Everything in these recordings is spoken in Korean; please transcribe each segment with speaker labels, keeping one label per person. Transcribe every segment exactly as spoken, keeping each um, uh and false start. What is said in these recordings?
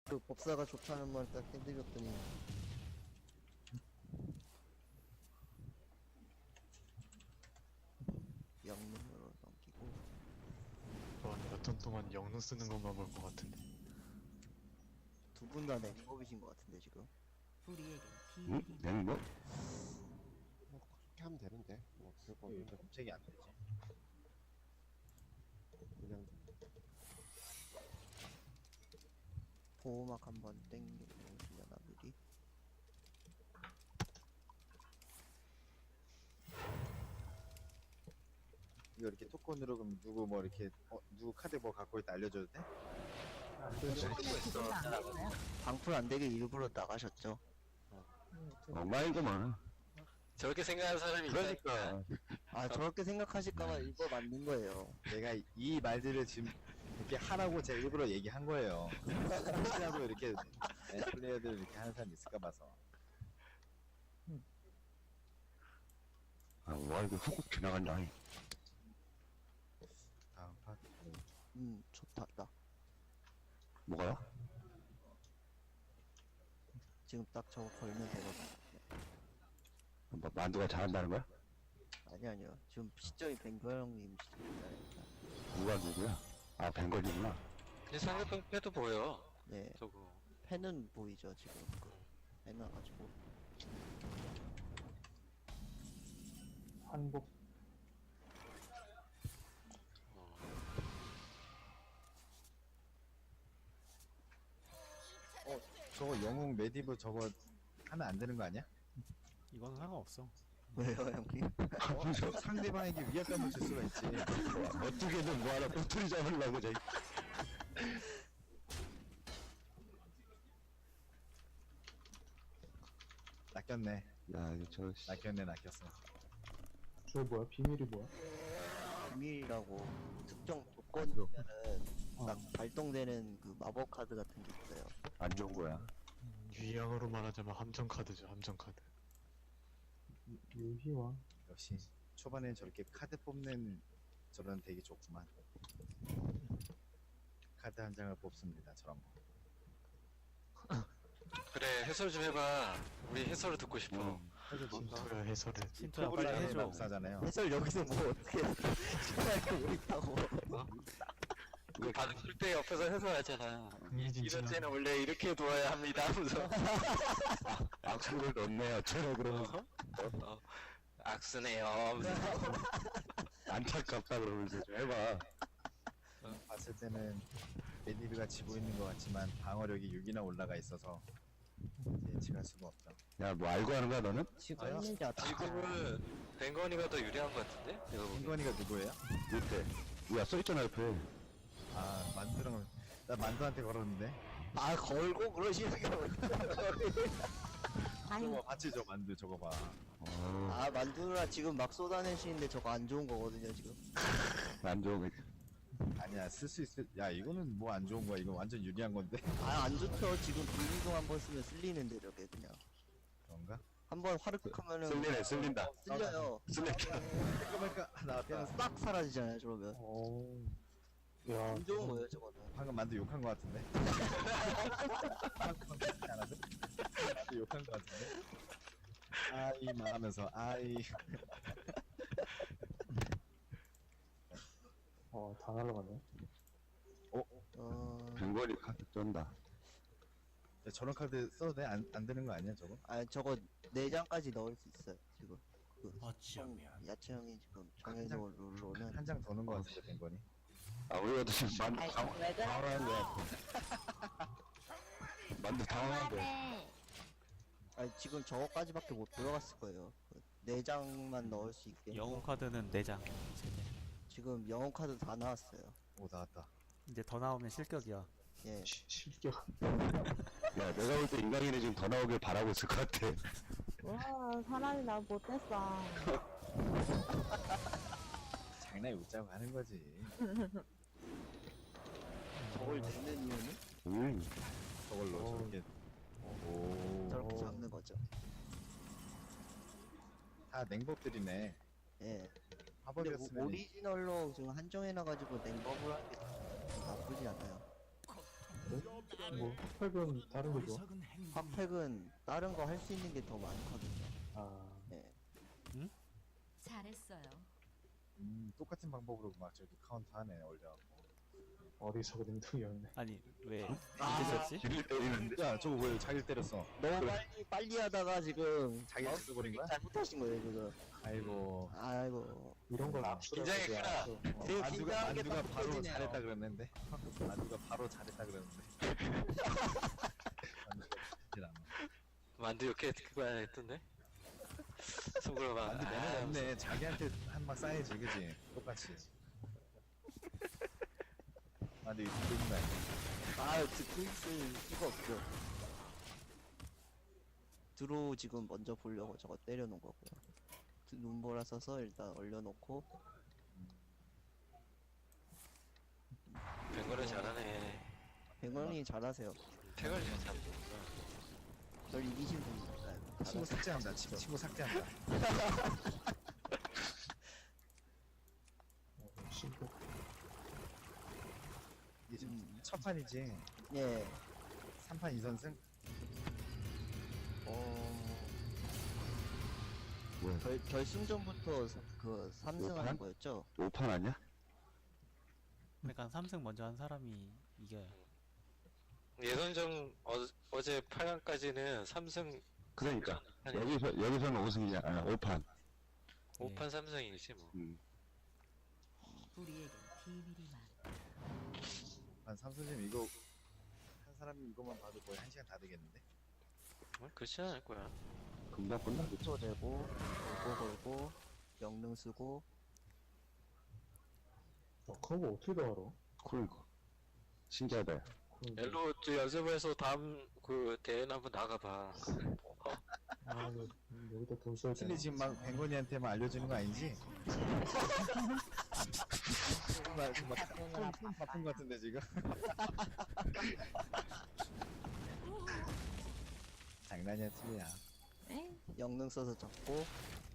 Speaker 1: 그 법사가 좋다는 말 딱 해드렸더니 영문으로 넘기고.
Speaker 2: 몇턴 동안 영능 쓰는 것만 볼 것 같은데.
Speaker 1: 두 분 다 냉법이신 것 같은데 지금.
Speaker 3: 우리에겐
Speaker 4: 응?
Speaker 3: 비밀이
Speaker 4: 냉뭐?
Speaker 5: 뭐 그렇게 하면 되는데 뭐 별거
Speaker 6: 왜
Speaker 5: 없는데
Speaker 6: 검색이 안 되지?
Speaker 5: 그냥
Speaker 1: 보호막 한번 땡겨보시려나 미리.
Speaker 6: 이거 이렇게 토큰으로 그럼 누구 뭐 이렇게 어, 누구 카드 뭐 갖고 있다 알려줘도 돼?
Speaker 1: 방풀 안 되게 일부러 나가셨죠.
Speaker 4: 엉망이구만.
Speaker 7: 저렇게 생각하는 사람이 있다니까.
Speaker 4: 그러니까.
Speaker 1: 아 저렇게 생각하실까봐 일부러 만든 거예요.
Speaker 6: 내가 이 말들을 지금 이렇게 하라고 제가 일부러 얘기한 거예요. 혹시라도 이렇게 네, 플레이어들 이렇게 하는 사람 있을까 봐서.
Speaker 4: 아, 와, 이거 훅 지나간다.
Speaker 6: 다음 파트.
Speaker 1: 음 좋다. 나
Speaker 4: 뭐가요?
Speaker 1: 지금 딱 저거 걸면 되거든.
Speaker 4: 뭐, 만두가 잘한다는 거야?
Speaker 1: 아니 아니요. 지금 시점이 뱅거 형님 시점이니까.
Speaker 4: 누가 누구야? 아, 벵걸이구나.
Speaker 7: 그냥 상대편 패도 보여.
Speaker 1: 네.
Speaker 7: 저거.
Speaker 1: 펜은 보이죠 지금. 그 해놔가지고.
Speaker 8: 한복
Speaker 7: 어.
Speaker 6: 어 저거 영웅 메디브 저거 하면 안 되는 거 아니야?
Speaker 8: 이건 상관없어.
Speaker 1: 왜요 형님?
Speaker 6: 어, 상대방에게 위압감을 줄 수가 있지.
Speaker 4: 어떻게든 뭐 하나 꼬투리 잡으려고, 저기.
Speaker 6: 낚였네.
Speaker 4: 야, 이거 저, 씨.
Speaker 6: 낚였네 낚였어.
Speaker 8: 저 뭐야? 비밀이 뭐야?
Speaker 1: 비밀이라고 특정 조건이면은
Speaker 8: 어.
Speaker 1: 딱 발동되는 그 마법 카드 같은 게 있어요.
Speaker 4: 안 좋은 거야.
Speaker 2: 유희양으로 말하자면 함정 카드죠, 함정 카드.
Speaker 8: 유희왕.
Speaker 6: 역시 초반에 저렇게 카드 뽑는 저런 되게 좋구만. 카드 한 장을 뽑습니다. 저런 거.
Speaker 7: 그래, 해설 좀 해봐. 우리 해설을 듣고 싶어.
Speaker 4: 음.
Speaker 2: 힌트야 해설을.
Speaker 8: 신토야
Speaker 6: 토블
Speaker 8: 빨리
Speaker 6: 장의
Speaker 8: 해줘.
Speaker 6: 마법사잖아요.
Speaker 1: 해설 여기서 뭐 어떻게 할거 뭐 있다고.
Speaker 7: 그 받을 때 옆에서 해설하잖아.
Speaker 2: 흥미진진한-
Speaker 7: 이럴 때는 원래 이렇게 두어야 합니다. 하면서.
Speaker 4: 악수를 넣네요, 저러 그러면서.
Speaker 7: 어, 악수네요. 하면서.
Speaker 4: 안타깝다 그러면서 좀 해봐.
Speaker 6: 봤을 때는 메디브가 지고 있는 것 같지만 방어력이 육이나 올라가 있어서 예측할 수가 없죠.
Speaker 4: 야, 뭐 알고 하는 거야, 너는?
Speaker 1: 지금 있는지 어떻게
Speaker 7: 지금은 뱅건이가 더 유리한 것 같은데? 내가 보기엔.
Speaker 6: hin건이가 누구예요?
Speaker 4: 밑에. 뭐야, 써있잖아, 옆에.
Speaker 6: 아 만두랑 나 만두한테 걸었는데.
Speaker 1: 아 걸고 그러시는 게
Speaker 6: 저거 봤지 저 만두 저거 봐.
Speaker 4: 어,
Speaker 1: 아 만두라 지금 막 쏟아내시는데 저거 안 좋은 거거든요 지금.
Speaker 4: 안 좋은 거.
Speaker 6: 아니야 쓸 수 있을. 야 이거는 뭐 안 좋은 거야. 이거 완전 유리한 건데.
Speaker 1: 아 안 좋죠. 지금 불이동 한번 쓰면 쓸리는데 저게 그냥
Speaker 6: 그런가?
Speaker 1: 한번 화르륵 하면은
Speaker 4: 쓸리네, 쓸린다.
Speaker 1: 쓸려요.
Speaker 4: 쓸렸다.
Speaker 6: 잠깐만까 나왔다.
Speaker 1: 그냥 싹 사라지잖아요 저러면.
Speaker 8: 오. 야.
Speaker 1: 안 좋은 거예요 저거는.
Speaker 6: 방금 만두 욕한 거 같은데. 방금 그렇지 않았어? 만두 욕한 거 같은데. 아이 말하면서 아이.
Speaker 8: 어, 다 날라가네.
Speaker 1: 어.
Speaker 4: 벵걸이 카드 쩐다.
Speaker 6: 야, 저런 카드 써도 돼? 안, 안 되는 거 아니야 저거?
Speaker 1: 아 저거 네 장까지 넣을 수 있어요 지금. 그
Speaker 3: 어쩌면
Speaker 1: 야채 형이 지금 정해놓은 룰로는
Speaker 6: 한 장 도는 거 같은데 된 거니?
Speaker 4: 아, 우리가 지금 만두
Speaker 9: 아이,
Speaker 4: 당,
Speaker 9: 왜 그래?
Speaker 4: 당황한 거야. 만두 당황한 거야.
Speaker 9: 네.
Speaker 1: 아니 지금 저거까지밖에 못 들어갔을 거예요. 그 네 장만 넣을 수 있게.
Speaker 10: 영웅 카드는 네 장.
Speaker 1: 지금 영웅 카드 다 나왔어요.
Speaker 6: 오 나왔다.
Speaker 10: 이제 더 나오면 실격이야.
Speaker 1: 예.
Speaker 8: 실격.
Speaker 4: 야, 내가 볼 때 인간이네 지금 더 나오길 바라고 있을 것 같아.
Speaker 9: 와, 사람이 나 못했어.
Speaker 6: 장난이 웃자고 하는 거지.
Speaker 1: 저걸 내는 이유는
Speaker 4: 음,
Speaker 6: 저걸로
Speaker 8: 오.
Speaker 6: 저렇게. 오.
Speaker 1: 저렇게 잡는 거죠.
Speaker 6: 다 냉법들이네.
Speaker 1: 예. 근데
Speaker 6: 화법이었으면
Speaker 1: 오리지널로 지금 한정해놔가지고 냉법을 하는 게 나쁘지 않아요.
Speaker 8: 뭐 흑팩은 다른 거 좋아?
Speaker 1: 핫팩은 다른 거 할 수 있는 게 더 많거든요.
Speaker 8: 아
Speaker 3: 잘했어요.
Speaker 6: 음, 똑같은 방법으로 막 저기 카운트 하네, 올려갖고.
Speaker 8: 어디서 그림통이었네.
Speaker 10: 아니 왜
Speaker 1: 아,
Speaker 10: 이게 됐지?
Speaker 4: 길을 때리는데.
Speaker 6: 야, 저거 왜 자기를 때렸어?
Speaker 1: 너무 빨리 빨리 하다가 지금
Speaker 6: 자기를
Speaker 1: 마우스
Speaker 6: 죽여버린 거야?
Speaker 1: 잘못하신 거예요 지금.
Speaker 6: 아이고.
Speaker 1: 아이고.
Speaker 8: 이런 걸 압수를
Speaker 7: 긴장이
Speaker 8: 하지
Speaker 7: 크다.
Speaker 8: 않았어. 어.
Speaker 1: 되게
Speaker 6: 만두가,
Speaker 1: 긴장하게
Speaker 6: 만두가
Speaker 1: 딱
Speaker 6: 바로
Speaker 1: 터지네요.
Speaker 6: 잘했다 그랬는데. 만두가 바로 잘했다 그랬는데. 만두가 잘했지 않아.
Speaker 7: 만두 이렇게 그거 했던데? 속으로 막
Speaker 6: 만두
Speaker 7: 아,
Speaker 6: 매너 없네. 자기한테 한 막 쌓여지, 그지? 똑같이. 만두 이거 듣는 거 아니야?
Speaker 1: 아 듣고 있을 수가 없죠. 드로우 지금 먼저 보려고 저거 때려놓은 거고요. 드- 눈보라 써서 일단 얼려놓고
Speaker 7: 뱅거를 잘하네.
Speaker 1: 백원이 잘하세요.
Speaker 7: 태걸이 잘 잡는구나.
Speaker 1: 절 이기신 분이니까요.
Speaker 6: 친구 삭제한다. 친- 친구 삭제한다.
Speaker 8: 어, 신고.
Speaker 6: 이게 지금
Speaker 1: 음.
Speaker 6: 첫 판이지.
Speaker 1: 예.
Speaker 6: 삼 판 이 선승?
Speaker 1: 어
Speaker 4: 뭐야?
Speaker 1: 결, 결승전부터 사- 그 삼 승 하는
Speaker 4: 오판?
Speaker 1: 거였죠?
Speaker 4: 오판 아니야?
Speaker 10: 그러니까 삼승 먼저 한 사람이 이겨요.
Speaker 7: 예선전 어, 어제 팔 강까지는 삼승
Speaker 4: 그러니까
Speaker 7: 아니
Speaker 4: 여기서 여기서는 오승이잖아. 오판.
Speaker 7: 오판 삼승이지 뭐.
Speaker 4: 음.
Speaker 3: 우리에겐 비밀이 많아.
Speaker 6: 한 삼선님 이거 한 사람이 이거만 봐도 거의 한 시간 다 되겠는데?
Speaker 7: 어, 그렇지 않을 거야.
Speaker 4: 금방 끝나겠지.
Speaker 1: 초 되고 걸고 걸고 영능 쓰고
Speaker 8: 어, 그거 어떻게 다 알아?
Speaker 4: 그러니까 신기하다.
Speaker 8: 그거
Speaker 7: 엘로 저 연습해서 다음 그 대회는 한번 나가봐.
Speaker 8: 아, 이거 여기다 돈 써야 되나?
Speaker 6: 슬리 지금 막 뱅건이한테만 알려주는 거 아니지? 정말 정말 좀, 좀 바쁜 것 같은데 지금? 장난이야 틀리야.
Speaker 9: 에?
Speaker 1: 영능 써서 잡고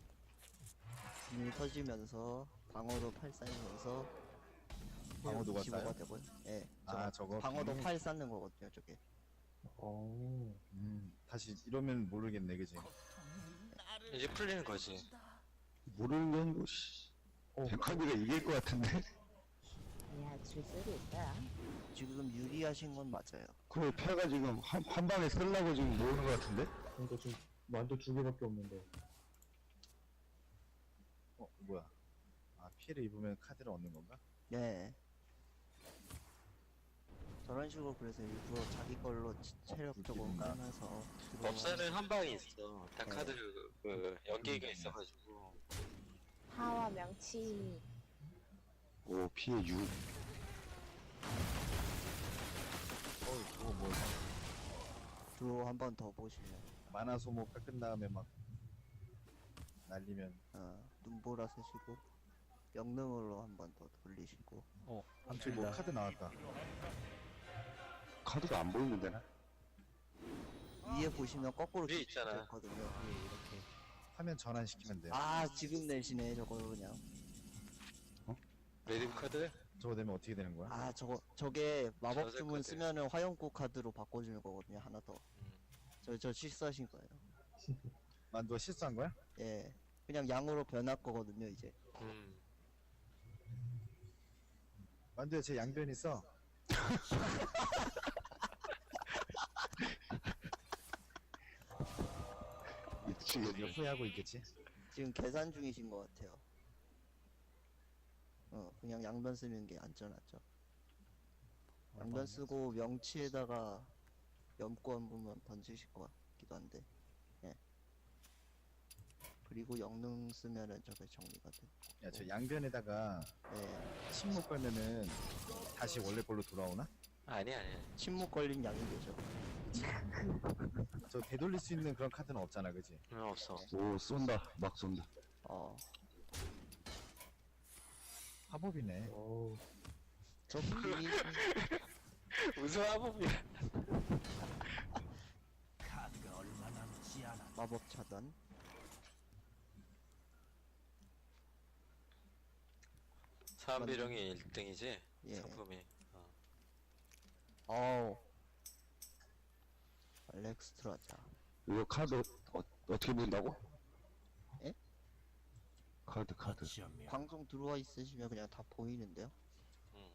Speaker 1: 물 터지면서 방어도 팔 쌓이면서
Speaker 6: 방어도가
Speaker 1: 이십오가
Speaker 6: 쌓여?
Speaker 1: 되고요. 예.
Speaker 6: 아
Speaker 1: 저거
Speaker 6: 저거
Speaker 1: 방어도
Speaker 6: 음,
Speaker 1: 팔 쌓는 거거든요, 저게.
Speaker 8: 어,
Speaker 6: 음, 다시 이러면 모르겠네 그지?
Speaker 7: 이제 풀리는 거지.
Speaker 4: 모르는 게 아니고 씨. 백화비가 이길 것 같은데?
Speaker 9: 야, 줄 수도 있다.
Speaker 1: 지금 유리하신 건 맞아요.
Speaker 4: 그래 패가 지금 한, 한 방에 쓰려고 지금 모르는 것 같은데?
Speaker 8: 그러니까 지금 만두 두 개밖에 없는데.
Speaker 6: 어 뭐야? 아 피해를 입으면 카드를 얻는 건가?
Speaker 1: 예. 저런 식으로 그래서 일부러 자기 걸로 치- 체력 조금
Speaker 6: 웃기구나.
Speaker 1: 까면서
Speaker 7: 법사는 한 방이 있어. 다
Speaker 1: 네.
Speaker 7: 카드 그 연계가 있어가지고.
Speaker 9: 파와 명치.
Speaker 4: 오 피해 육.
Speaker 6: 어 그거 뭐
Speaker 1: 드로우 한 번 더 보시면
Speaker 6: 만화 소모 깎은 다음에 막 날리면
Speaker 1: 어, 눈보라 쓰시고 영능으로 한 번 더 돌리시고
Speaker 10: 어,
Speaker 6: 갑자기 뭐 카드 나왔다.
Speaker 4: 카드가 안 보이는데 나?
Speaker 1: 위에 보시면 거꾸로
Speaker 7: 위에 있잖아.
Speaker 1: 있거든요.
Speaker 10: 예, 이렇게.
Speaker 6: 화면 전환시키면 돼요.
Speaker 1: 아 지금 내시네 저거 그냥.
Speaker 7: 레디브 카드?
Speaker 6: 저거 되면 어떻게 되는 거야?
Speaker 1: 아 저거 저게 마법
Speaker 7: 저색
Speaker 1: 주문
Speaker 7: 카드.
Speaker 1: 쓰면은 화염구 카드로 바꿔주는 거거든요 하나 더.
Speaker 7: 음.
Speaker 1: 저 저 실수하신 거예요.
Speaker 6: 만두가 실수한 거야?
Speaker 1: 예. 그냥 양으로 변할 거거든요 이제.
Speaker 7: 음.
Speaker 6: 만두야 제 양변 있어.
Speaker 4: 미치겠네.
Speaker 6: 후회하고 있겠지?
Speaker 1: 지금 계산 중이신 것 같아요. 어 그냥 양변 쓰는 게 안전하죠. 양변 쓰고 명치에다가 염고 한 번만 던지실 것 같기도 한데. 예. 그리고 영능 쓰면은 저게 정리가 돼.
Speaker 6: 야 저 양변에다가
Speaker 1: 예.
Speaker 6: 침묵 걸면은 다시 원래 걸로 돌아오나?
Speaker 7: 아니 아니.
Speaker 1: 침묵 걸린 양이 되죠.
Speaker 6: 저 되돌릴 수 있는 그런 카드는 없잖아 그지?
Speaker 7: 응, 없어.
Speaker 4: 오 쏜다. 막 쏜다.
Speaker 1: 어.
Speaker 6: 화법이네.
Speaker 8: 어우,
Speaker 1: 저 분이
Speaker 7: 무슨 화법이야.
Speaker 1: 마법 차단.
Speaker 7: 사암비룡이 일 등이지?
Speaker 1: 예.
Speaker 7: 상품이. 어.
Speaker 1: 어우. 알렉스트라자.
Speaker 4: 이거 카드 어, 어떻게 본다고?
Speaker 1: 예?
Speaker 4: 카드 카드.
Speaker 1: 방송 들어와 있으시면 그냥 다 보이는데요.
Speaker 7: 응.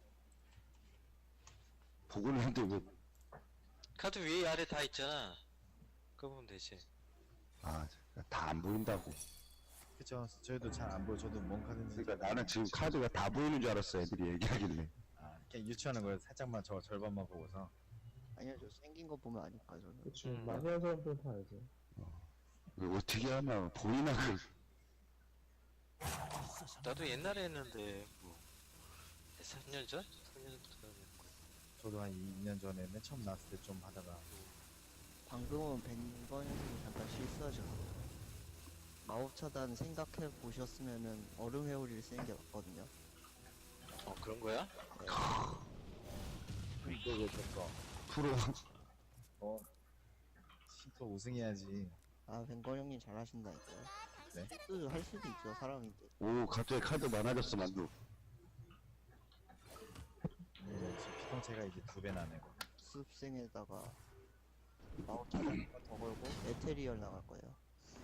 Speaker 4: 보고는 한데 왜?
Speaker 7: 카드 위에 아래 다 있잖아. 그거 보면 되지.
Speaker 4: 아, 다 안 보인다고.
Speaker 6: 그쵸. 저희도 잘 안 보여. 저도 뭔 카드인지.
Speaker 4: 그러니까 나는 지금 카드가 다 보이는 줄 알았어. 애들이 얘기하길래.
Speaker 6: 아, 그냥 유추하는 거예요. 살짝만 저 절반만 보고서.
Speaker 1: 아니요, 저 생긴 거 보면 아니까 저는.
Speaker 8: 그치.
Speaker 7: 음.
Speaker 8: 많이 한 사람들은 다 알죠.
Speaker 4: 이거 어떻게 하나 보이나 그
Speaker 7: 나도 옛날에 했는데 뭐 삼 년 전? 삼 년 전.
Speaker 6: 저도 한 이 년 전에 맨 처음 나왔을 때 좀 하다가.
Speaker 1: 방금은 벤건이 잠깐 실수하죠. 마법 차단 생각해 보셨으면은 얼음 회오리를 쓰는 게 맞거든요.
Speaker 7: 어 그런 거야?
Speaker 6: 이거 왜 졌어?
Speaker 4: 프로
Speaker 6: 어. 또 우승해야지.
Speaker 1: 아, 벤건 형님 잘하신다니까요.
Speaker 6: 네?
Speaker 1: 실수 할 수도 있죠, 사람인데.
Speaker 4: 오 갑자기 카드 많아졌어 만두.
Speaker 6: 네, 지금 피통체가 이제 두 배 나네요.
Speaker 1: 습생에다가 마법 차단 한번 더 걸고 에테리얼 나갈 거예요.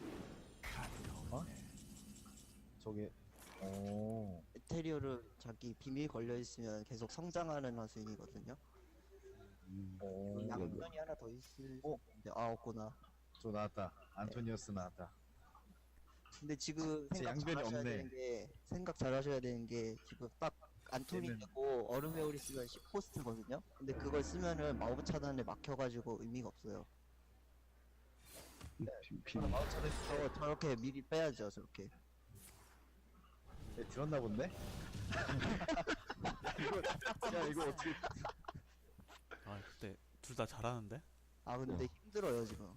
Speaker 6: 저게, 오.
Speaker 1: 에테리얼은 자기 비밀 걸려 있으면 계속 성장하는 화수인이거든요.
Speaker 6: 오.
Speaker 1: 양면이 하나 더 있을
Speaker 6: 어?
Speaker 1: 텐데 아 없구나.
Speaker 6: 저 나왔다. 안토니오스 나왔다.
Speaker 1: 근데 지금
Speaker 6: 제
Speaker 1: 생각
Speaker 6: 양변이
Speaker 1: 잘하셔야
Speaker 6: 없네.
Speaker 1: 되는 게 생각 잘하셔야 되는 게 지금 딱 안토니
Speaker 6: 얘는-
Speaker 1: 되고 얼음 회오리 쓰면 십 포스트거든요. 근데 그걸 쓰면은 마법 차단에 막혀가지고 의미가 없어요.
Speaker 4: 비- 비-
Speaker 6: 마법 차단
Speaker 1: 저 저렇게 미리 빼야죠, 저렇게.
Speaker 6: 네, 들었나 본데? 이거, 야, 이거 어떻게.
Speaker 10: 아 근데 둘 다 잘하는데?
Speaker 1: 아 근데 힘들어요 지금.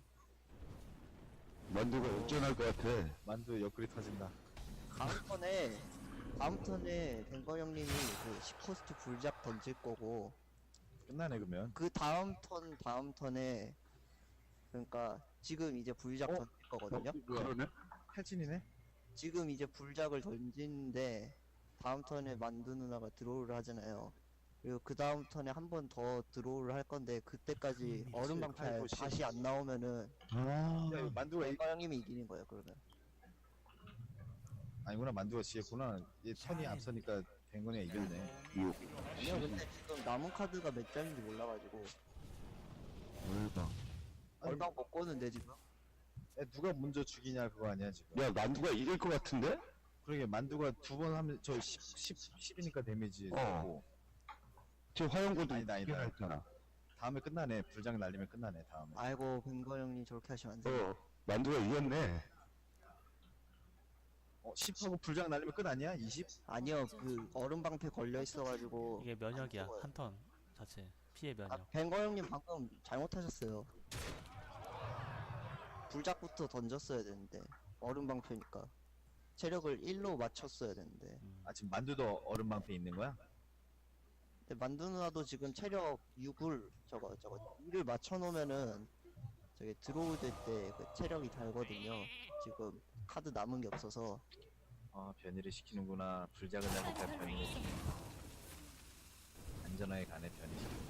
Speaker 4: 만두가 역전할 것 같아.
Speaker 6: 만두 옆구리 터진다.
Speaker 1: 다음 턴에 다음 턴에 뱅거 형님이 그 십 포스트 불작 던질 거고
Speaker 6: 끝나네, 그러면.
Speaker 1: 그 다음 턴 다음 턴에 그러니까 지금 이제 불작
Speaker 6: 어?
Speaker 1: 던질 거거든요.
Speaker 4: 그러네.
Speaker 6: 탈진이네?
Speaker 1: 지금 이제 불작을 던지는데 다음 턴에 만두 누나가 드로우를 하잖아요. 그리고 그 다음 턴에 한 번 더 드로우를 할 건데 그때까지 얼음 방패
Speaker 6: 칼도시.
Speaker 1: 다시 안 나오면은
Speaker 4: 아,
Speaker 6: 야, 이거 만두가, 이...
Speaker 1: 뱅거 형님이 이기는 거예요. 그러면
Speaker 6: 아니구나, 만두가 지겠구나. 얘 턴이 앞서니까 뱅건이가 이겼네.
Speaker 4: 육.
Speaker 1: 아니요 근데 지금 남은 카드가 몇 장인지 몰라가지고
Speaker 4: 얼마.
Speaker 1: 얼방 못 꺼는데 지금.
Speaker 6: 야, 누가 먼저 죽이냐, 그거 아니야, 지금.
Speaker 4: 야 만두가 이길 것 같은데?
Speaker 6: 그러게, 만두가 두 번 하면, 저 십, 십, 십이니까 데미지.
Speaker 4: 어.
Speaker 6: 들어가고.
Speaker 4: 저 화영고도
Speaker 6: 아니다, 아니다.
Speaker 4: 했잖아.
Speaker 6: 다음에 끝나네. 불장 날리면 끝나네, 다음에.
Speaker 1: 아이고 뱅거 형님 저렇게 하시면 안 돼요.
Speaker 4: 어 만두가 이겼네.
Speaker 6: 어, 십하고 불장 날리면 끝 아니야? 이십?
Speaker 1: 아니요 그 얼음 방패 걸려 있어가지고
Speaker 10: 이게 면역이야.
Speaker 1: 안 죽어요.
Speaker 10: 한 턴 자체 피해 면역.
Speaker 1: 아, 뱅거 형님 방금 잘못하셨어요. 불작부터 던졌어야 되는데 얼음 방패니까 체력을 일로 맞췄어야 되는데.
Speaker 10: 음.
Speaker 6: 아, 지금 만두도 얼음방패 있는 거야?
Speaker 1: 근데 만두 누나도 지금 체력 육을 저거 저거 일을 맞춰놓으면은 저기 들어올 때 그 체력이 달거든요. 지금 카드 남은 게 없어서.
Speaker 6: 아, 변이를 시키는구나. 불작을 날리니까 변이를 시키는. 안전하게 가네, 변이시키는.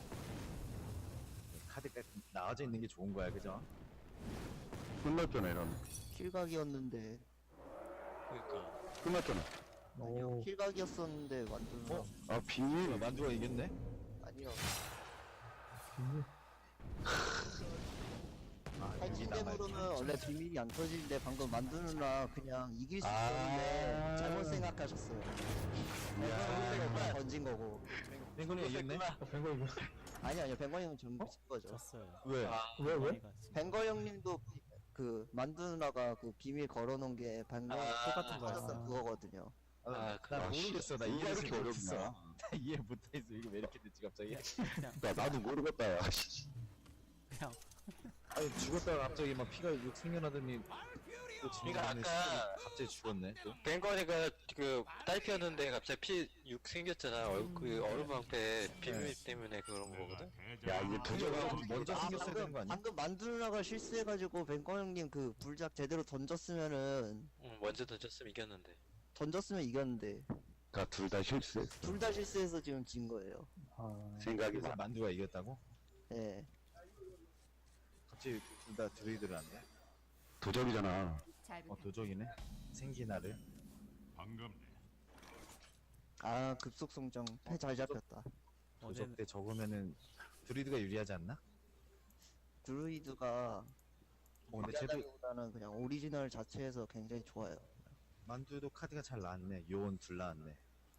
Speaker 6: 카드가 나와져 있는 게 좋은 거야, 그죠?
Speaker 4: 끝났잖아 이러면.
Speaker 1: 킬각이었는데
Speaker 7: 그러니까
Speaker 4: 끝났잖아.
Speaker 1: 아니요
Speaker 8: 오.
Speaker 1: 킬각이었었는데 만두 누나
Speaker 6: 어?
Speaker 4: 아 비밀.
Speaker 6: 만두가 이겼네?
Speaker 1: 아니요
Speaker 8: 비밀.
Speaker 6: 아, 여기
Speaker 1: 탈진됨으로는
Speaker 6: 남아있네.
Speaker 1: 원래 비밀이 안 터지는데 방금 만두 누나 그냥 이길 수
Speaker 4: 아.
Speaker 1: 있었는데 잘못 생각하셨어요. 뱅건이 던진 거고.
Speaker 6: 뱅건이가 이겼네?
Speaker 8: 아, 뱅거 이거.
Speaker 1: 아니 아니요 뱅거 형은 좀 진 거죠.
Speaker 10: 졌어요.
Speaker 6: 왜?
Speaker 7: 아
Speaker 8: 왜, 왜?
Speaker 10: 머리가 진짜
Speaker 1: 뱅거 형님도 비- 그 만두 누나가 그 비밀 걸어놓은 게 뱅거
Speaker 7: 아,
Speaker 1: 똑같은
Speaker 10: 거였어.
Speaker 1: 거였던 그거거든요.
Speaker 6: 아,
Speaker 7: 아,
Speaker 6: 나
Speaker 4: 아,
Speaker 6: 모르겠어. 나
Speaker 4: 씨,
Speaker 6: 이해를
Speaker 4: 이렇게
Speaker 6: 못했어.
Speaker 4: 어렵나?
Speaker 6: 나 이해 못했어. 이거 왜 이렇게 됐지, 갑자기?
Speaker 4: 나 나도 모르겠다. 야. 씨.
Speaker 10: 그냥
Speaker 6: 아니, 죽었다가 갑자기 막 피가 육 생겨나더니 또
Speaker 7: 그러니까
Speaker 6: 진행하는
Speaker 7: 아까-
Speaker 6: 갑자기 죽었네, 또.
Speaker 7: 뱅건이가 그 딸피였는데 갑자기 피 육 생겼잖아. 얼, 그 얼음 방패 비밀 때문에 그런 거거든.
Speaker 4: 야 이제
Speaker 6: 부조가
Speaker 4: 부조가
Speaker 6: 먼저
Speaker 1: 아,
Speaker 6: 생겼어야 되는
Speaker 1: 방금,
Speaker 6: 거 아니야?
Speaker 1: 방금 만두 누나가 실수해가지고 뱅거 형님 그 불작 제대로 던졌으면은
Speaker 7: 응, 먼저 던졌으면 이겼는데.
Speaker 1: 던졌으면 이겼는데
Speaker 4: 둘 다 실수했어.
Speaker 1: 둘 다 실수해서 지금 진 거예요.
Speaker 8: 아,
Speaker 4: 생각이
Speaker 6: 그래서
Speaker 4: 나.
Speaker 6: 만두가 이겼다고?
Speaker 1: 예.
Speaker 6: 어찌 둘 다 드루이드를 안 해?
Speaker 4: 도적이잖아.
Speaker 6: 어 도적이네. 생기나를.
Speaker 1: 아 급속 성장 패 잘 잡혔다.
Speaker 10: 어제
Speaker 6: 도적 때 적으면은 드루이드가 유리하지 않나?
Speaker 1: 드루이드가
Speaker 6: 어 근데 쟤도
Speaker 1: 유리하다기보다는 그냥 오리지널 자체에서 굉장히 좋아요.
Speaker 6: 만두도 카드가 잘 나왔네. 요원 둘 나왔네.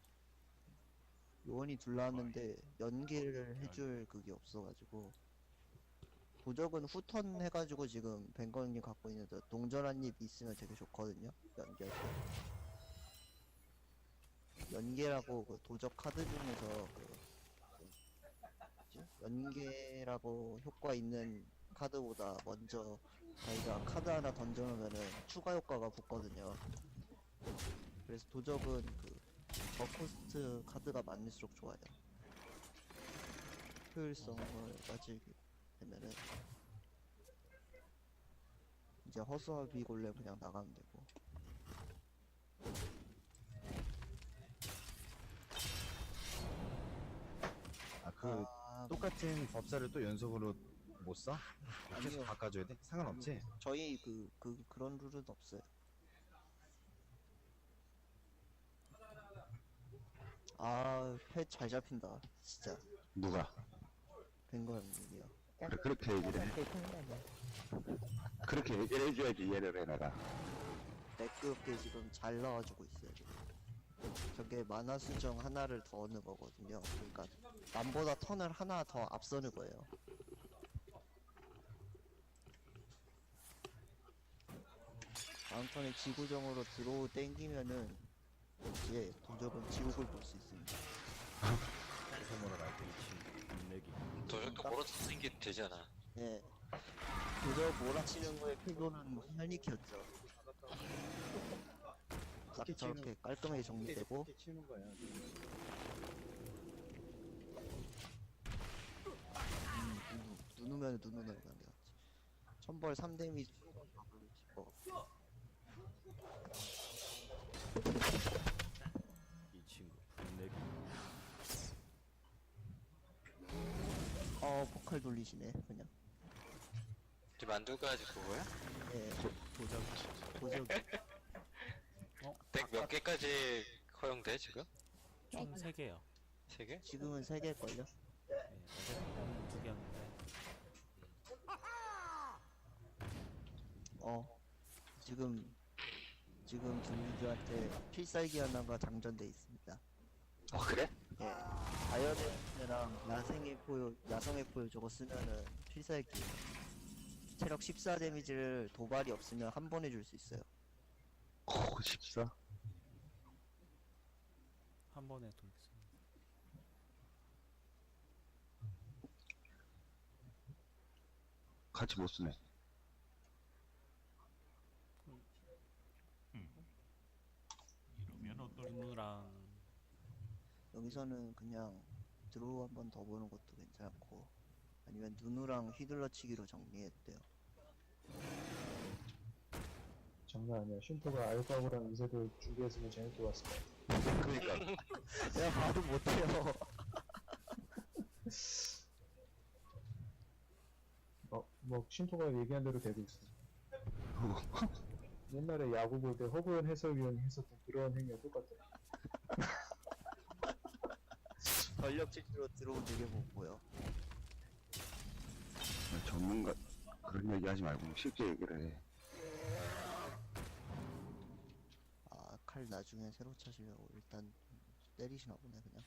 Speaker 1: 요원이 둘 나왔는데 연계를 해줄 그게 없어가지고 도적은 후턴 해가지고 지금 뱅건이 갖고 있는데 동전 한 입 있으면 되게 좋거든요. 연계. 연계라고 그 도적 카드 중에서 그 뭐지? 연계라고 효과 있는 카드보다 먼저 자기가 카드 하나 던져놓으면은 추가 효과가 붙거든요. 그래서 도적은 그 저코스트 카드가 많을수록 좋아요. 효율성을 따지게 되면은 이제 허수아비 골렘 그냥 나가면 되고.
Speaker 6: 아 그
Speaker 1: 아,
Speaker 6: 똑같은 법사를 또 연속으로 못 써? 계속
Speaker 1: 아니요.
Speaker 6: 바꿔줘야 돼? 상관없지?
Speaker 1: 저희 그, 그, 그런 룰은 없어요. 아, 패 잘 잡힌다. 진짜.
Speaker 4: 누가?
Speaker 1: 뱅건님이요.
Speaker 4: 그래, 그렇게 얘기를 해.
Speaker 9: 되게 큰 거네.
Speaker 4: 그렇게 얘기를 해줘야지 이해를 해 내가.
Speaker 1: 매끄럽게 지금 잘 나와주고 있어요. 지금. 저게 만화 수정 하나를 더 얻는 거거든요. 그러니까 남보다 턴을 하나 더 앞서는 거예요. 다음 턴에 지구정으로 들어오 땡기면은 이제 도적은 지옥을 볼 수 있습니다.
Speaker 7: 도적도 몰아서 생기면 되잖아.
Speaker 1: 예. 도적 몰아치는 거에 필요는 현익이었죠. 딱 저렇게 깔끔하게 정리되고
Speaker 6: 이렇게 치는 거야.
Speaker 1: 음, 누, 누누면 누누는 그냥 게 낫지. 천벌 삼 데미지 어. 어 포칼 돌리시네 그냥.
Speaker 7: 이제 만두가 아직 그거야?
Speaker 1: 예.
Speaker 10: 도적
Speaker 1: 도적
Speaker 7: 덱 몇 개까지 허용돼 지금?
Speaker 10: 총 세 개요.
Speaker 7: 세 개?
Speaker 1: 지금은 세 개일걸요?
Speaker 10: 네, 어제는 두 개였는데
Speaker 1: 어 지금 지금 둘리들한테 필살기 하나가 장전돼 있습니다.
Speaker 4: 어 그래?
Speaker 1: 예. 자연의 야생의 포효, 야성의 포효 저거 쓰면은 필살기 체력 십사 데미지를 도발이 없으면 한 번에 줄 수 있어요.
Speaker 4: 오 십사.
Speaker 10: 한 번에 돌겠습니다.
Speaker 4: 같이 못 쓰네.
Speaker 10: 누누랑
Speaker 1: 여기서는 그냥 드로우 한 번 더 보는 것도 괜찮고 아니면 누누랑 휘둘러치기로 정리했대요.
Speaker 8: 장난 아니야. 쉼터가 알파고랑 이세돌 준비했으면 재밌게 봤을 것 같아.
Speaker 4: 그러니까
Speaker 1: 내가 봐도 못해요.
Speaker 8: 어, 뭐 쉼터가 얘기한 대로 되고 있어. 옛날에 야구 볼 때 허구현 해설위원이 했었던 그런 행위가 똑같아.
Speaker 1: 전력 질주로 드로우 되게 못 보여.
Speaker 4: 전문가 그런 얘기 하지 말고 쉽게 얘기를 해.
Speaker 1: 아, 칼 나중에 새로 차시려고 일단 때리시나 보네 그냥.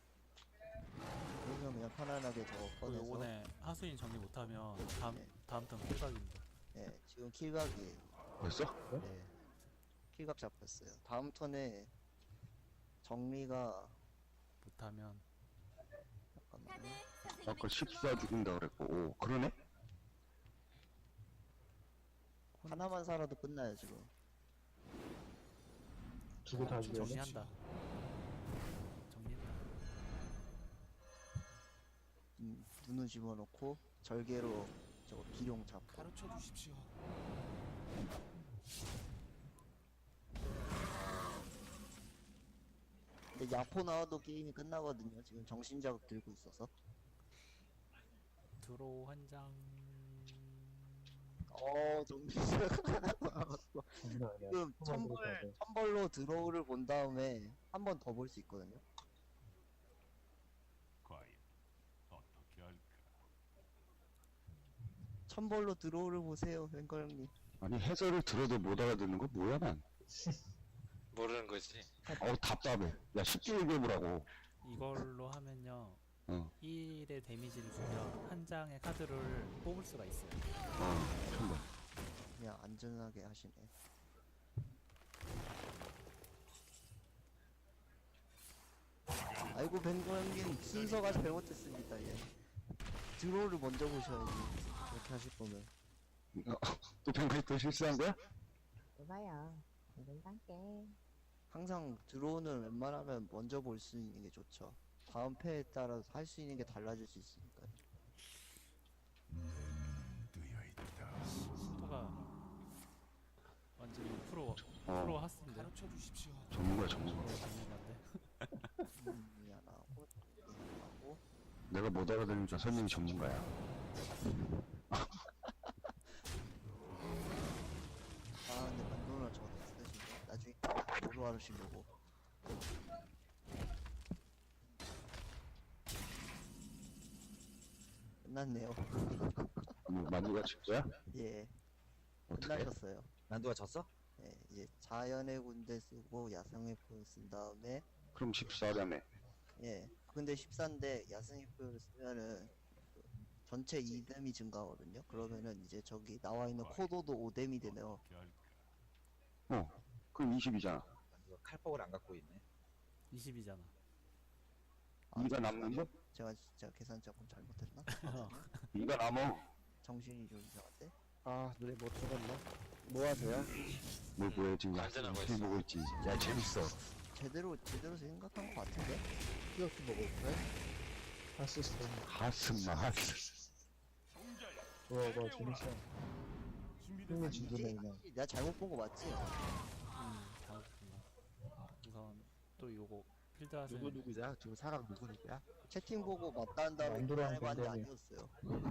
Speaker 1: 그러면 그냥 편안하게 저거
Speaker 10: 그
Speaker 1: 꺼내서
Speaker 10: 요번에 하수인 정리 못하면 다음
Speaker 1: 네.
Speaker 10: 다음 턴 킬각입니다.
Speaker 1: 예, 지금 킬각이에요.
Speaker 4: 벌써?
Speaker 1: 네. 킬각 잡혔어요. 다음 턴에 정리가
Speaker 10: 못하면
Speaker 1: 잠깐만요.
Speaker 4: 아까 십사 죽인다 그랬고 오 그러네?
Speaker 1: 하나만 살아도 끝나요 지금.
Speaker 8: 두고 다 죽여야 돼.
Speaker 10: 정리한다. 정리했다.
Speaker 1: 음, 눈을 집어넣고 절개로 저거 기룡 잡고.
Speaker 2: 가르쳐 주십시오.
Speaker 1: 근데 야포 나와도 게임이 끝나거든요. 지금 정신자극 들고 있어서.
Speaker 10: 드로우 한 장.
Speaker 1: 어 정신
Speaker 8: 장난 아니야.
Speaker 1: 지금
Speaker 8: 슈퍼만
Speaker 1: 천벌
Speaker 8: 들어가야 돼.
Speaker 1: 천벌로 드로우를 본 다음에 한 번 더 볼 수 있거든요. 천벌로 드로우를 보세요, 뱅거 형님.
Speaker 4: 아니 해설을 들어도 못 알아듣는 거 뭐야 난.
Speaker 7: 모르는 거지.
Speaker 4: 어우 답답해. 야 쉽게 얘기해보라고.
Speaker 10: 이걸로 하면요.
Speaker 4: 어.
Speaker 10: 일의 데미지를 주면 한 장의 카드를 뽑을 수가 있어요.
Speaker 4: 어. 천벌.
Speaker 1: 그냥 안전하게 하시네. 아이고 뱅거 형님 순서가 잘못됐습니다. 예. 드로우를 먼저 보셔야지. 이렇게 하실 거면.
Speaker 4: 또 뱅크이 또 실수한 거야?
Speaker 9: 이봐요. 안 된단게.
Speaker 1: 항상 드로우는 웬만하면 먼저 볼 수 있는 게 좋죠. 다음 패에 따라서 할 수 있는 게 달라질 수 있으니까요.
Speaker 10: 슈퍼가 완전히 프로
Speaker 4: 어.
Speaker 10: 프로 하스인데.
Speaker 4: 전문가야 전문가.
Speaker 10: 프로 전문가인데.
Speaker 1: 음, 미안하고 미안하고.
Speaker 4: 내가 못 알아들으니까 설명이 전문가야.
Speaker 1: 아 근데 만두는 저거 쓰시고 나중에 뭐로 하시려고. 끝났네요.
Speaker 4: 뭐 만두가 칠 거야?
Speaker 1: 예,
Speaker 4: 어떻게?
Speaker 1: 끝나셨어요.
Speaker 6: 난두가 졌어?
Speaker 1: 예, 이제 자연의 군대 쓰고 야생의 포를 쓴 다음에
Speaker 4: 그럼 십사라며.
Speaker 1: 예, 근데 십사인데 야생의 포를 쓰면은 그 전체 이 뎀이 증가하거든요. 그러면은 이제 저기 나와 있는 코도도 오 뎀이 되네요.
Speaker 4: 어. 그럼 이십이잖아.
Speaker 6: 난두가 칼폭을 안 갖고 있네.
Speaker 10: 이십이잖아.
Speaker 1: 아,
Speaker 4: 이가 남는 거?
Speaker 1: 제가 진짜 계산 조금 잘못했나?
Speaker 4: 이가 남어.
Speaker 1: 정신이 좀 이상한데?
Speaker 5: 아 눈에 못 들어갔나?
Speaker 1: 뭐 하세요?
Speaker 4: 뭐 뭐야 지금
Speaker 7: 관전하고
Speaker 4: 야채
Speaker 7: 있어.
Speaker 4: 보고 있지. 야 재밌어.
Speaker 1: 제대로 제대로 생각한 것 같은데?
Speaker 5: 이렇게 먹을까요?
Speaker 8: 하스스톤.
Speaker 4: 하스마 하스.
Speaker 8: 좋아, 좋아, 재밌어. 흥미 진전해,
Speaker 1: 아니지?
Speaker 8: 그냥.
Speaker 1: 아니지? 내가 잘못 본 거 맞지?
Speaker 10: 음, 잘못했나. 우선 또 요거 필드 하세요.
Speaker 5: 누구 누구냐? 지금 사람 누구 누구야?
Speaker 1: 채팅 보고 맞다는 다음에
Speaker 8: 만두랑
Speaker 1: 해봤는데
Speaker 8: 밴댕이.
Speaker 1: 아니었어요.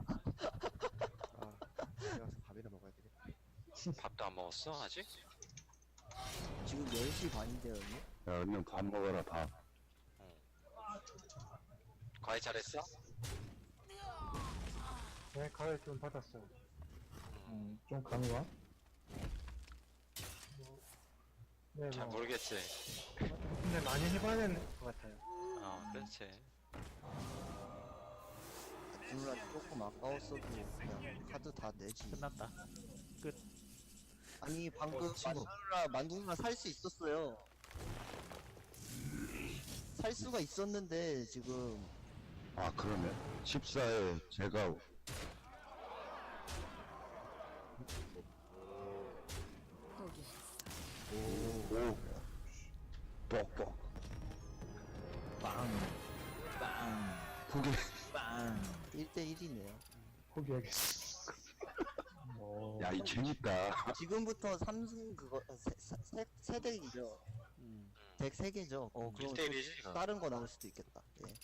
Speaker 5: 아 집에 가서 밥이나 먹어야 되겠다.
Speaker 7: 밥도 안 먹었어 아직?
Speaker 1: 지금 열 시 반인데요, 형님?
Speaker 4: 야 얼른 밥 먹어라 밥.
Speaker 7: 과외 잘했어?
Speaker 8: 네, 가을 좀 받았어요. 음, 좀 감이 와? 네,
Speaker 7: 잘
Speaker 8: 뭐.
Speaker 7: 모르겠지.
Speaker 8: 근데 많이 해봐야 되는 것 같아요.
Speaker 7: 어 그렇지.
Speaker 1: 누나 조금 아까웠어도 그냥 카드 다 내지.
Speaker 10: 끝났다.
Speaker 1: 아니 방금
Speaker 6: 어, 친구.
Speaker 1: 만두누나 만두누나 살 수 있었어요. 살 수가 있었는데 지금
Speaker 4: 아 그러네. 십사에 제가 오 뻑뻑
Speaker 6: 빵. 빵.
Speaker 4: 포기.
Speaker 6: 빵.
Speaker 1: 일 대 일이네요.
Speaker 8: 포기하겠어. 오.
Speaker 4: 야 이 재밌다.
Speaker 1: 지금부터 삼승 그거 세세 세덱이죠.
Speaker 10: 음.
Speaker 1: 덱 세 개죠. 어 그럼
Speaker 7: 일 대 일이지.
Speaker 1: 또 다른 거 나올 수도 있겠다. 예.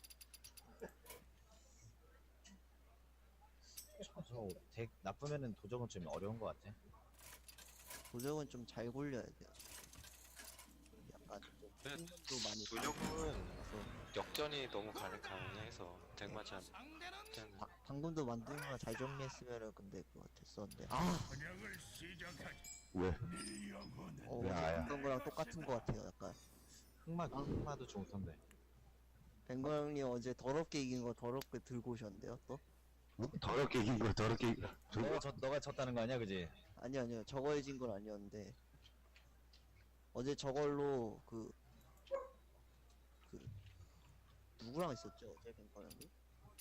Speaker 6: 저 덱 나쁘면은 도적은 좀 어려운 것 같아.
Speaker 1: 도적은 좀 잘 굴려야 돼요. 약간 좀
Speaker 7: 네,
Speaker 1: 힘도 많이
Speaker 7: 도적은
Speaker 1: 받아서.
Speaker 7: 역전이 너무 가능 가능해서 덱맞이 안
Speaker 1: 바, 방금도 만두누나 잘 정리했으면은 근데 그거 됐었는데 아
Speaker 4: 왜?
Speaker 1: 어,
Speaker 4: 야, 야.
Speaker 1: 그런 거랑 똑같은 거 같아요. 약간
Speaker 6: 흑마 흑마도 좋던데.
Speaker 1: 뱅거 형님 어제 더럽게 이긴 거 더럽게 들고 오셨는데요 또?
Speaker 4: 어? 더럽게 이긴 거 더럽게 이긴 거.
Speaker 6: 너가 졌 너가 졌다는 거 아니야, 그지?
Speaker 1: 아니요 아니요 저거 해진 건 아니었는데 어제 저걸로 그 그 누구랑 있었죠 어제 뱅거 형님?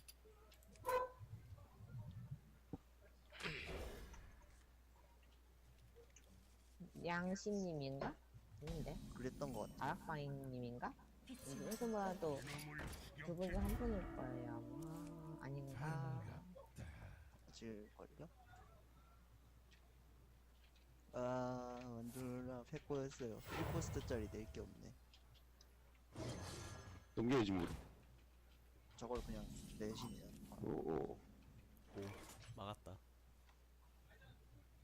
Speaker 9: 양심님인가? 아닌데?
Speaker 1: 그랬던 거 같아.
Speaker 9: 다락방님인가? 일본 봐도 두 분 중 한 분일 거예요 아마. 아닌가?
Speaker 1: 맞을걸요? 아 만두누나 패코였어요. 일 포스트짜리 낼 게 없네.
Speaker 4: 넘겨야지 뭐.
Speaker 1: 저걸 그냥 내시네요.
Speaker 4: 오, 오.
Speaker 10: 막았다.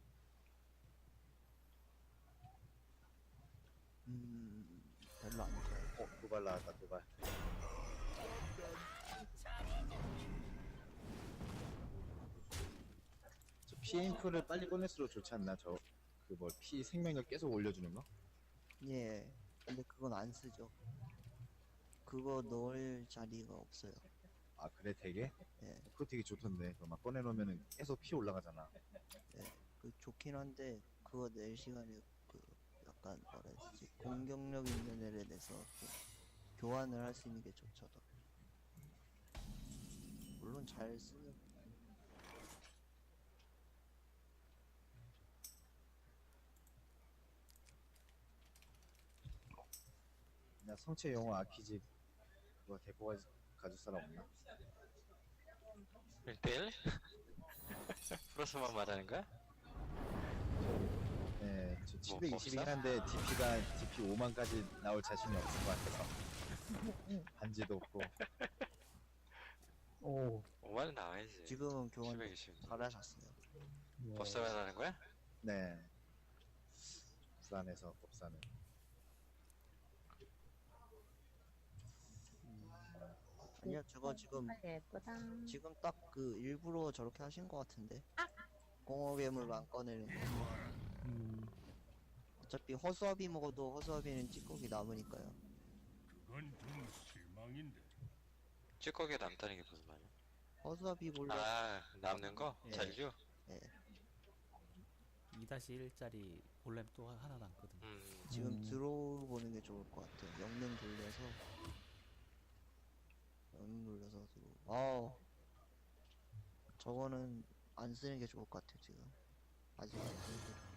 Speaker 6: 도발하다 도발. 저 피임프를 빨리 꺼낼수록 좋지 않나? 저 그 뭐 피 생명력 계속 올려주는 거?
Speaker 1: 예. 근데 그건 안 쓰죠. 그거 넣을 자리가 없어요.
Speaker 6: 아 그래 되게?
Speaker 1: 예.
Speaker 6: 그거 되게 좋던데. 그거 막 꺼내놓으면은 계속 피 올라가잖아.
Speaker 1: 그 좋긴 한데 그거 낼 시간이 그 약간 뭐라 해야 되지? 공격력 있는 애를 내서 좀 교환을 할 수 있는 게 좋죠. 더. 물론 잘 쓰는
Speaker 6: 나 성체 영어 아키집 그거 데리고 가, 가줄 사람 없나?
Speaker 7: 일 대일? 플러스만 말하는 거야?
Speaker 6: 네, 저
Speaker 7: 뭐,
Speaker 6: 칠백이십이긴
Speaker 7: 없어?
Speaker 6: 한데 디피가 디피 오만까지 나올 자신이 없을 것 같아서 반지도 없고.
Speaker 8: 오,
Speaker 7: 오만은 나와야지.
Speaker 1: 지금은 교환
Speaker 7: 칠백이십.
Speaker 1: 잘하셨어요.
Speaker 8: 예.
Speaker 7: 법사만 하는 거야?
Speaker 6: 네. 부산에서 법사는.
Speaker 1: 아니요, 저거 지금
Speaker 9: 아, 예쁘다.
Speaker 1: 지금 딱 그 일부러 저렇게 하신 것 같은데. 공허 괴물만 꺼내는 거.
Speaker 10: 음,
Speaker 1: 어차피 허수아비 먹어도 허수아비는 찌꺼기 남으니까요.
Speaker 7: 찌꺼기가 남다는 게 무슨 말이야?
Speaker 1: 허수아비 몰래
Speaker 7: 아, 남는 거?
Speaker 1: 예.
Speaker 7: 잔류?
Speaker 10: 이 다시 일짜리 골렘 또 하나 남거든.
Speaker 7: 음,
Speaker 1: 지금
Speaker 8: 음.
Speaker 1: 들어보는 게 좋을 것 같아요. 영능 돌려서 영능 돌려서 들어. 아우 저거는 안 쓰는 게 좋을 것 같아요 지금. 아직 안 쓰는 게.